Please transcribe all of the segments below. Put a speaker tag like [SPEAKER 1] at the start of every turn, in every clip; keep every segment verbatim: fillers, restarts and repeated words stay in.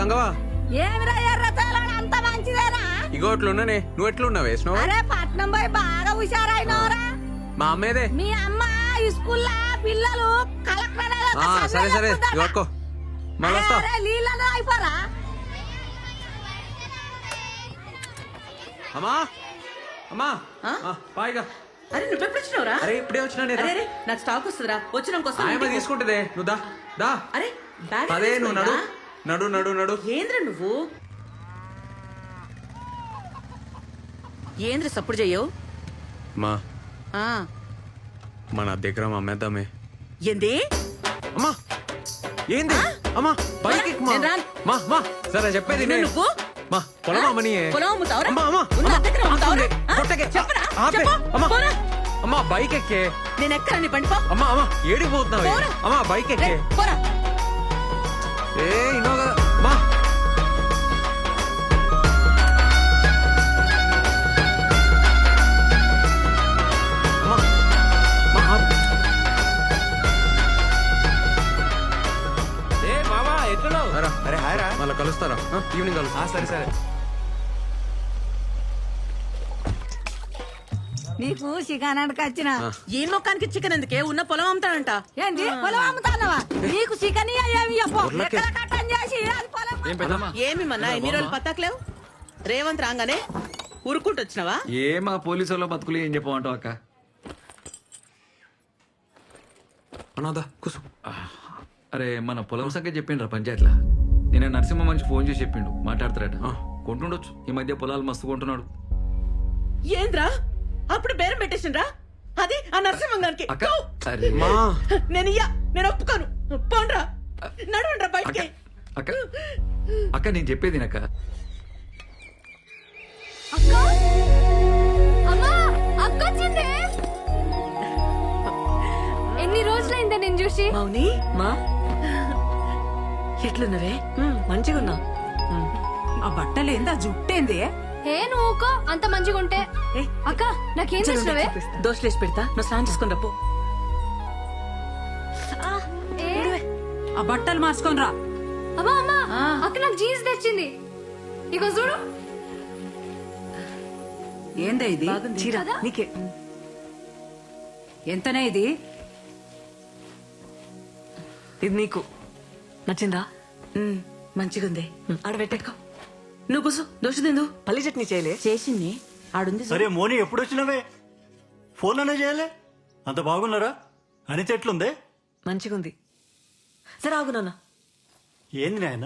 [SPEAKER 1] గంగవా
[SPEAKER 2] ఏమిరా ఎర్రచాలని అంత మంచిదేనా?
[SPEAKER 1] ఇగో అట్లున్నానే. నువ్వు ఎట్లున్నావు వేసినావు?
[SPEAKER 2] అరే పట్నం పోయి బాగా హుషారైనవరా.
[SPEAKER 1] మా అమ్మేదే.
[SPEAKER 2] మీ అమ్మ స్కూల్లో పిల్లలు కలెక్టర్
[SPEAKER 1] ఆ, సరే సరే ఇవ్వకో మళ్ళీ వస్తా.
[SPEAKER 2] నీళ్ళలో అయిపోరా.
[SPEAKER 1] అమ్మా అమ్మా పాయిగా.
[SPEAKER 3] అరే నువ్వు ఎప్పుడు వచ్చినావురా?
[SPEAKER 1] అరే ఇప్పుడే వచ్చినా నేను.
[SPEAKER 3] అరే నాకు స్టాక్ వస్తుందిరా. వచ్చినాక
[SPEAKER 1] ఆయమ్మ తీసుకుంటుందే. నువ్వు దా దా.
[SPEAKER 3] అరే బ్యాగ్
[SPEAKER 1] అదే నువ్వు నడు నడు నడు నడు.
[SPEAKER 3] ఏంద్ర నువ్వు ఏంద్ర సప్పుడు చెయ్యవు?
[SPEAKER 1] మా
[SPEAKER 3] ఆ
[SPEAKER 1] మన దగ్గర మా అమ్మేద్దామే.
[SPEAKER 3] ఏంది?
[SPEAKER 1] అమ్మా ఏంది? అమ్మా బైక్ ఎక్కు మా.
[SPEAKER 3] నేను రాను.
[SPEAKER 1] మా మా సరే చెప్పేది నే.
[SPEAKER 3] నువ్వు
[SPEAKER 1] మా పొలం అమ్మని.
[SPEAKER 3] పొలం అమ్ముతావురా?
[SPEAKER 1] అమ్మా అమ్మా
[SPEAKER 3] ఉన్న
[SPEAKER 1] అమ్మా,
[SPEAKER 3] దగ్గర అమ్ముతావురా? ఆ?
[SPEAKER 1] కొట్టకే.
[SPEAKER 3] చెప్పరా?
[SPEAKER 1] ఆపే.
[SPEAKER 3] చెప్పు.
[SPEAKER 1] అమ్మా
[SPEAKER 3] పోరా.
[SPEAKER 1] అమ్మా బైక్ ఎక్కే.
[SPEAKER 3] నేను ఎక్కరా నీ బండి పో.
[SPEAKER 1] అమ్మా అమ్మా ఏడికి పోతున్నావే?
[SPEAKER 3] పోరా.
[SPEAKER 1] అమ్మా బైక్
[SPEAKER 3] రే,
[SPEAKER 1] ఎక్కే.
[SPEAKER 3] పోరా.
[SPEAKER 1] ఏ ఇన్నో కదా మా. అమ్మా, మా ఆపు.
[SPEAKER 4] ఏ మామా ఎట్లున్నావు?
[SPEAKER 1] రా.
[SPEAKER 4] అరే హాయ్ రా.
[SPEAKER 1] మళ్ళీ కలుస్తారా? ఆ, ఈవినింగ్ కలుస్తా.
[SPEAKER 4] సరే సరే.
[SPEAKER 2] నీకు చికెన్ వచ్చిన
[SPEAKER 1] ఆ.
[SPEAKER 3] ఈ మొక్కానికి చికెన్ ఎందుకే? ఉన్న పొలం అమ్ముతాడంట.
[SPEAKER 2] ఏంటి పొలం అమ్ముతానవా? నీకు చికెన్ ఏమి చెప్పు.
[SPEAKER 1] ఊర్లకే.
[SPEAKER 2] ఎక్కడ కట్టం చేసి అది పొలం
[SPEAKER 4] ఏం పెద్దమ్మా?
[SPEAKER 3] ఏమి మన్నా ఎన్ని రోజులు పత్తాకలేవు? రేవంత్ రాగానే ఉరుక్కుంటూ వచ్చినావా?
[SPEAKER 4] ఏ మా పోలీసు వాళ్ళ బతుకులు ఏం చెప్పమంటావు అక్క?
[SPEAKER 1] అనాదా కూసు.
[SPEAKER 4] అరే మన పొలం సంగతి చెప్పిండ్రా పంచాయతీలా. నేను నరసింహ మంచి ఫోన్ చేసి చెప్పిండు మాట్లాడతారట.
[SPEAKER 1] ఆ.
[SPEAKER 4] కొంటుండొచ్చు ఈ మధ్య పొలాలు మస్తు కొంటున్నాడు.
[SPEAKER 3] ఏంద్రా అప్పుడు బేరం పెట్టేసిండ్రా? అది ఆ నరసింహంగానికి.
[SPEAKER 4] అక్క అరే
[SPEAKER 1] మా
[SPEAKER 3] నేను ఇయ్యా, నేను ఒప్పుకోను. పోండ్రా, నడవండ్రా
[SPEAKER 4] అక్క
[SPEAKER 3] బయటికి.
[SPEAKER 4] అక్క అక్క నేను చెప్పేది అక్క.
[SPEAKER 5] అక్క అమ్మా అక్క వచ్చింది. ఎన్ని రోజులైందే నేను చూసి.
[SPEAKER 3] మౌని మా ఎట్లున్నవే?
[SPEAKER 6] మంచిగున్నా. ఆ బట్టలేంది, ఆ జుట్టేంది?
[SPEAKER 5] ఏ నువ్వుకో అంత మంచిగా ఉంటే. అక్క నాకేం చేసినవే?
[SPEAKER 3] దోశలేసి పెడతా, నువ్వు స్నానం చేసుకుని రప్పు.
[SPEAKER 6] ఆ బట్టలు మార్చుకొని రా.
[SPEAKER 5] అమ్మా అమ్మా అక్క నాకు జీన్స్ తెచ్చింది. ఇగో చూడు.
[SPEAKER 6] ఏందే ఇది?
[SPEAKER 3] చీర నీకే.
[SPEAKER 6] ఎంతనే ఇది?
[SPEAKER 7] ఇది నీకు నచ్చిందా?
[SPEAKER 3] ఉమ్, మంచిగుంది. ఆడ పెట్టేకో. నువ్వు కూసు, దోశ తిందు.
[SPEAKER 7] పల్లి చట్నీ చేయలే?
[SPEAKER 3] చేసింది ఆడుంది.
[SPEAKER 8] సరే మోని ఎప్పుడు వచ్చినవే? ఫోన్ అనే చేయలే? అంత బాగున్నారా? అనిత ఎట్లుందే?
[SPEAKER 7] మంచిగుంది. సరే ఆగు నాన్న.
[SPEAKER 8] ఏంది నాయన?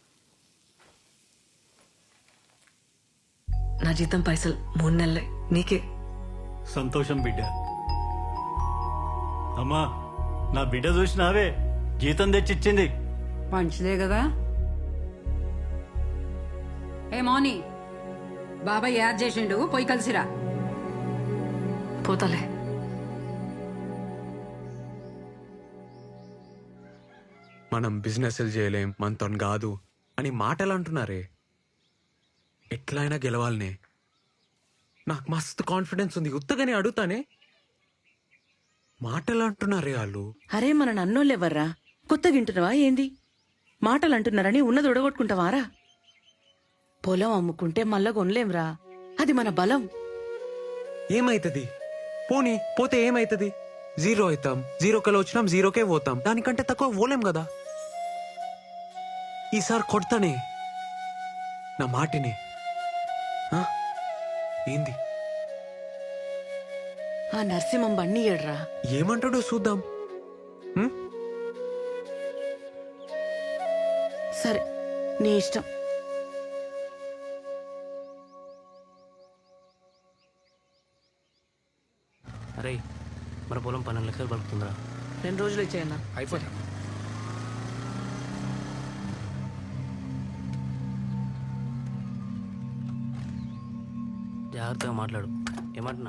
[SPEAKER 7] నా జీతం పైసలు మూడు నెలలే నీకే.
[SPEAKER 8] సంతోషం బిడ్డ. అమ్మా నా బిడ్డ చూసినావే, జీతం తెచ్చిచ్చింది.
[SPEAKER 6] మంచిదే కదా. ఏ మౌని, బాబాయ్ యాడ్ చేసిండు, పోయి కలిసిరా.
[SPEAKER 7] పోతాలే.
[SPEAKER 1] మనం బిజినెస్ చేయలేం, మనతో కాదు అని మాటలు అంటున్నారే. ఎట్లయినా గెలవాలనే. నాకు మస్తు కాన్ఫిడెన్స్ ఉంది. ఉత్తగానే అడుగుతానే. మాటలు అంటున్నారే వాళ్ళు.
[SPEAKER 3] అరే మన నన్నోళ్ళు ఎవర్రా? కొత్తగా వింటున్నావా ఏంది? మాటలు అంటున్నారని ఉన్నది ఉడగొట్టుకుంటావారా? పొలం అమ్ముకుంటే మళ్ళా కొనలేంరా, అది మన బలం.
[SPEAKER 1] ఏమైతుంది? పోనీ పోతే ఏమైతుంది? జీరో అవుతాం. జీరో కల వచ్చినాం, జీరోకే పోతాం. దానికంటే తక్కువ పోలేం కదా. ఈసారి కొడతానే నా మాటిని. ఆ? ఏంది?
[SPEAKER 3] ఆ నరసింహం బండి ఏడ్రా.
[SPEAKER 1] ఏమంటాడో చూద్దాం. ఉం?
[SPEAKER 3] సరే నీ ఇష్టం.
[SPEAKER 9] అరే మన పొలం పన్నెండు లక్షలు పలుకుతుందా?
[SPEAKER 7] రెండు రోజులు ఇచ్చేయన్నా.
[SPEAKER 9] అయిపోతా. జాగ్రత్తగా మాట్లాడు. ఏమంటున్నా?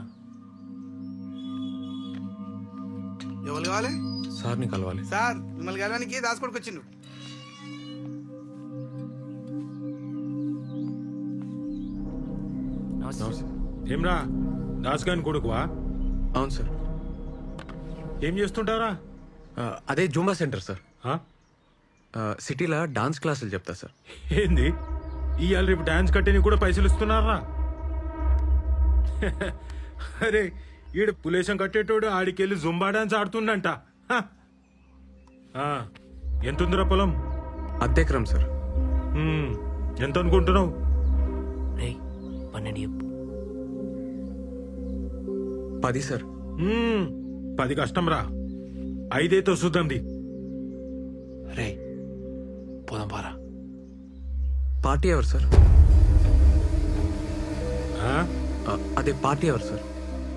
[SPEAKER 10] ఎవరు కావాలి?
[SPEAKER 1] సార్ని కలవాలి.
[SPEAKER 10] సార్ మిమ్మల్ని కలవడానికి దాసుకోడికి వచ్చిండు.
[SPEAKER 11] ఏమ్రా దాస్గాని కొడుకువా?
[SPEAKER 1] అవును సార్.
[SPEAKER 11] ఏం చేస్తుంటారా?
[SPEAKER 1] అదే జూంబా సెంటర్ సార్. సిటీలో డాన్స్ క్లాసులు చెప్తా సార్.
[SPEAKER 11] ఏంది ఇవాళ రేపు డాన్స్ కట్టేని కూడా పైసలు ఇస్తున్నారా? అరే ఈడు పులేశం కట్టేటోడు ఆడికెళ్ళి జుంబా డాన్స్ ఆడుతుండంట. హ. ఆ, ఎంతుందిరా పొలం?
[SPEAKER 1] అద్దెకరం సార్.
[SPEAKER 11] ఉమ్, ఎంత అనుకుంటున్నావు?
[SPEAKER 9] రేయ్ పన్నెండు చెప్పు.
[SPEAKER 1] పది సార్.
[SPEAKER 11] ఉమ్, పది కష్టం రా, ఐదేతో చూద్దాంది.
[SPEAKER 9] రే పోదాం పారా.
[SPEAKER 1] పార్టీ ఎవరు సార్?
[SPEAKER 11] ఆ?
[SPEAKER 1] ఆ, అదే పార్టీ ఎవరు సార్?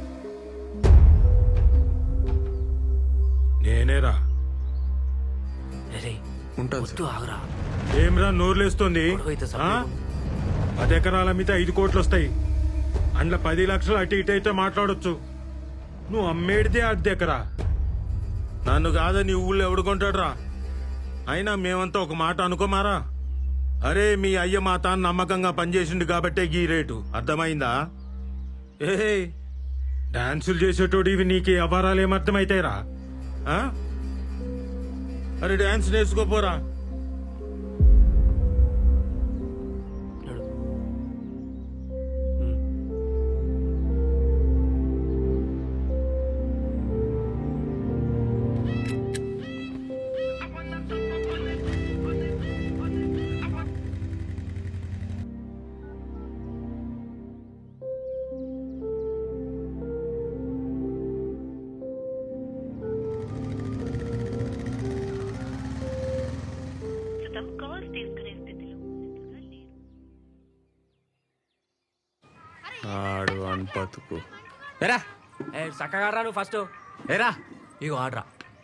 [SPEAKER 11] నేనేరా.
[SPEAKER 9] రే రే
[SPEAKER 1] ఉంటాను
[SPEAKER 9] వద్దు
[SPEAKER 1] సార్.
[SPEAKER 9] ఆగురా.
[SPEAKER 11] ఏమ్రా నోర్లేస్తోంది?
[SPEAKER 9] గొడవైతే
[SPEAKER 11] ఆ?
[SPEAKER 9] సపరేట్.
[SPEAKER 11] పది ఎకరాల మీద ఐదు కోట్లు వస్తాయి. అందులో పది లక్షలు అటు ఇటు అయితే మాట్లాడొచ్చు. నువ్వు అమ్మేడితే అర్ధ ఎకరా. నన్ను కాదని ఊళ్ళో ఎవడు కొంటాడు రా? అయినా మేమంతా ఒక మాట అనుకోమారా. అరే మీ అయ్య మా తాను నమ్మకంగా పనిచేసిండు కాబట్టే గీ రేటు, అర్థమైందా? ఏ డాన్సులు చేసేటోడు ఇవి నీకు అపారాలు ఏమర్థమైతాయిరా? ఆ? అరే డాన్స్ నేర్చుకోపోరా.
[SPEAKER 1] ఆడు అని బతుకు.
[SPEAKER 9] ఎరా ఏ చక్కగా రా నువ్వు ఫస్ట్.
[SPEAKER 1] ఏరా
[SPEAKER 9] ఇగో ఆడరా.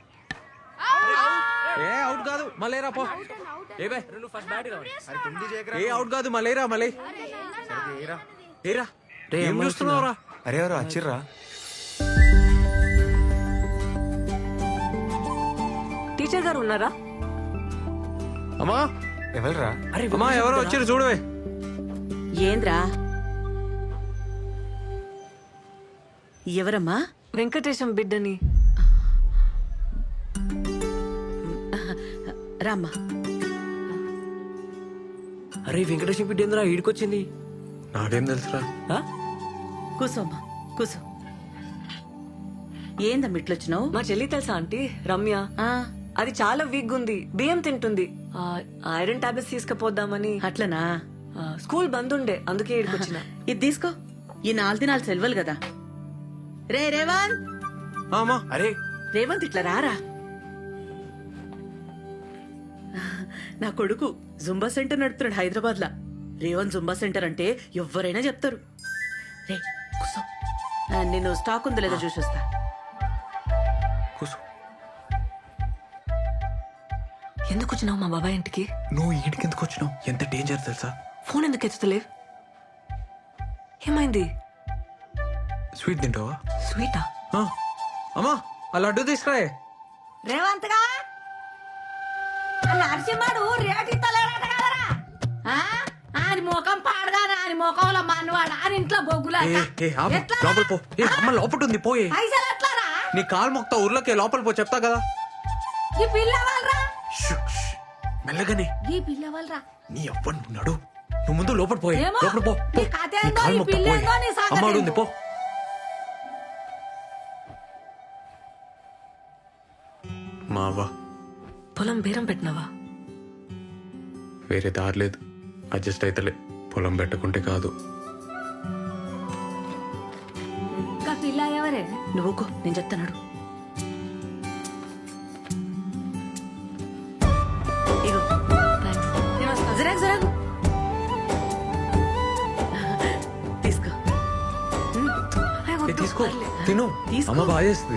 [SPEAKER 1] ఏ అవుట్ కాదు మళ్ళీరా పో. ఏ బే
[SPEAKER 9] నువ్వు ఫస్ట్ బ్యాట్ రావాలి.
[SPEAKER 1] ఏ అవుట్ కాదు మళ్ళీరా మళ్ళీ. ఏరా
[SPEAKER 9] రే,
[SPEAKER 1] ఏం
[SPEAKER 9] అమ్మ
[SPEAKER 1] చూస్తున్నావురా?
[SPEAKER 10] అరే ఎవరు వచ్చిర్రా?
[SPEAKER 7] టీచర్ గారు ఉన్నారా?
[SPEAKER 1] అమ్మా
[SPEAKER 10] ఎవరురా?
[SPEAKER 9] అరే
[SPEAKER 1] అమ్మా ఎవరో వచ్చారు చూడవే.
[SPEAKER 3] ఏంద్రా? ఎవరమ్మా?
[SPEAKER 7] వెంకటేశం బిడ్డని.
[SPEAKER 3] రామ్మా.
[SPEAKER 9] అరే వెంకటేశ్వర బిడ్డ ఏందిరా ఈడికొచ్చింది?
[SPEAKER 1] నాకేం తెలుసురా?
[SPEAKER 9] ఆ?
[SPEAKER 3] కూసోమ్మా కూసో. ఏందమ్మ ఇట్లొచ్చినావు?
[SPEAKER 7] మా చెల్లి తెలుసా ఆంటీ రమ్య?
[SPEAKER 3] ఆ,
[SPEAKER 7] అది చాలా వీక్ ఉంది, బియ్యం తింటుంది. ఆ, ఐరన్ టాబ్లెట్స్ తీసుకుపోద్దామని.
[SPEAKER 3] అట్లనా?
[SPEAKER 7] ఆ, స్కూల్ బంద్ ఉండే, అందుకే ఇక్కడికి వచ్చిన.
[SPEAKER 3] ఇది తీసుకో. ఈ నాలుగు దినాలు సెలవులు కదా. రే రేవంత్,
[SPEAKER 1] ఆ, అమ్మా
[SPEAKER 9] అరే
[SPEAKER 3] రేవంత్ ఇట్లా రారా. నా కొడుకు జుంబా సెంటర్ నడుపుతున్నాడు హైదరాబాద్ లా. రేవంత్ జుంబా సెంటర్ అంటే ఎవరైనా చెప్తారు. రే కూసో. ఆ, నేను స్టాక్ ఉందో లేదో చూసి వస్తా.
[SPEAKER 1] కూర్చో.
[SPEAKER 7] ఎందుకు వచ్చినావు మా బాబాయ్ ఇంటికి?
[SPEAKER 1] నువ్వు ఈడికి ఎందుకు వచ్చినావు? ఎంత డేంజర్ తెలుసా?
[SPEAKER 7] ఫోన్ ఎందుకు ఎత్తుతలేవు? ఏమైంది?
[SPEAKER 1] స్వీట్ తింటావా?
[SPEAKER 7] స్వీటా?
[SPEAKER 1] ఆ, అమ్మా ఆ లడ్డు తీసుకురాయే.
[SPEAKER 2] రేవంత్ గా నరసింహడు రేటు ఇస్తలేడట కదరా? ఆ? ఆయన ముఖం పాడగానే ఆయన ముఖంలో మనవాడు ఆయన ఇంట్లో బొగ్గులా
[SPEAKER 1] ఏ, ఏ, ఆపు. లోపల పో. ఏ అమ్మ లోపల ఉంది పోయే.
[SPEAKER 2] పైసలు ఎట్లారా?
[SPEAKER 1] నీ కాలు మొక్తా ఊర్లోకి లోపల పో, చెప్తా కదా.
[SPEAKER 2] ఈ పిల్ల వాళ్ళరా?
[SPEAKER 1] షూ, షూ. మెల్లగానే.
[SPEAKER 2] ఈ పిల్ల వాళ్ళరా?
[SPEAKER 1] నీ అవ్వను ఉన్నాడు. నువ్వు ముందు లోపల పోయే.
[SPEAKER 2] ఏమో.
[SPEAKER 1] లోపల పో పో.
[SPEAKER 2] నీ కథ
[SPEAKER 1] నీ
[SPEAKER 2] ఏందో,
[SPEAKER 1] కాలు
[SPEAKER 2] ఈ
[SPEAKER 1] మొక్తా
[SPEAKER 2] పిల్ల
[SPEAKER 1] పోయే.
[SPEAKER 2] ఏందో, నీ సంగతి
[SPEAKER 1] అమ్మ ఉంది
[SPEAKER 2] ఏందో.
[SPEAKER 1] పో. మావా
[SPEAKER 7] పొలం బేరం పెట్టినావా?
[SPEAKER 1] వేరే దారి లేదు. అడ్జస్ట్ అయితలే. పొలం పెట్టుకుంటే కాదు.
[SPEAKER 2] ఇంకా పిల్ల ఎవరే?
[SPEAKER 3] నువ్వుకో, నేను చెప్తాను. ఇగో జరాగు జరాగు తీసుకో.
[SPEAKER 1] ఏ, తీసుకో తిను.
[SPEAKER 3] తీసుకో.
[SPEAKER 1] అమ్మ బాగా చేస్తుంది.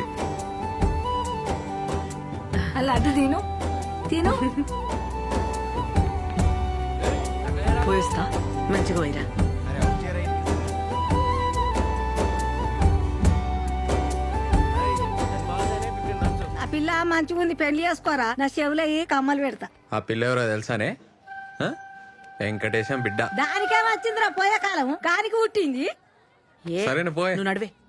[SPEAKER 2] అలా అడ్డు తిను తిను.
[SPEAKER 7] పోయిస్తా.
[SPEAKER 3] మంచిగా పోయిరా.
[SPEAKER 2] ఆ పిల్ల మంచిగా ఉంది, పెళ్లి చేసుకోరా. నా చెవులో ఈ కమ్మలు పెడతా.
[SPEAKER 1] ఆ పిల్ల ఎవరో తెలుసానే? ఆ? వెంకటేశం బిడ్డ.
[SPEAKER 2] దానికేం వచ్చిందిరా పోయే కాలం, కానికి పుట్టింది.
[SPEAKER 3] ఏ,
[SPEAKER 1] సరేనా పోయే.
[SPEAKER 3] నువ్వు నడివే.